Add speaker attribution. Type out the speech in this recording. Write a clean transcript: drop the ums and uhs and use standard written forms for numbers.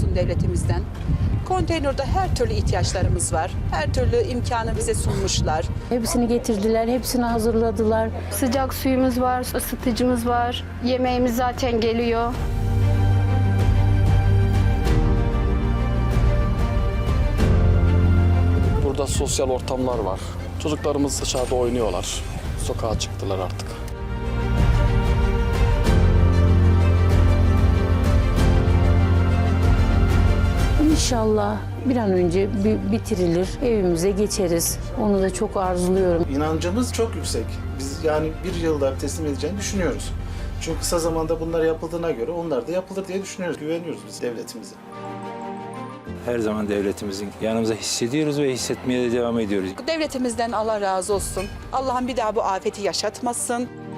Speaker 1: razıyım devletimizden. Konteynerde her türlü ihtiyaçlarımız var. Her türlü imkanı bize sunmuşlar.
Speaker 2: Hepsini getirdiler, hepsini hazırladılar.
Speaker 3: Sıcak suyumuz var, ısıtıcımız var. Yemeğimiz zaten geliyor.
Speaker 4: Burada sosyal ortamlar var. Çocuklarımız dışarıda oynuyorlar. Sokağa çıktılar artık.
Speaker 2: İnşallah bir an önce bitirilir, evimize geçeriz. Onu da çok arzuluyorum.
Speaker 5: İnancımız çok yüksek. Biz yani bir yılda teslim edeceğini düşünüyoruz. Çünkü kısa zamanda bunlar yapıldığına göre onlar da yapılır diye düşünüyoruz. Güveniyoruz biz devletimize.
Speaker 6: Her zaman devletimizin yanımıza hissediyoruz ve hissetmeye de devam ediyoruz.
Speaker 1: Devletimizden Allah razı olsun. Allah'ım bir daha bu afeti yaşatmasın.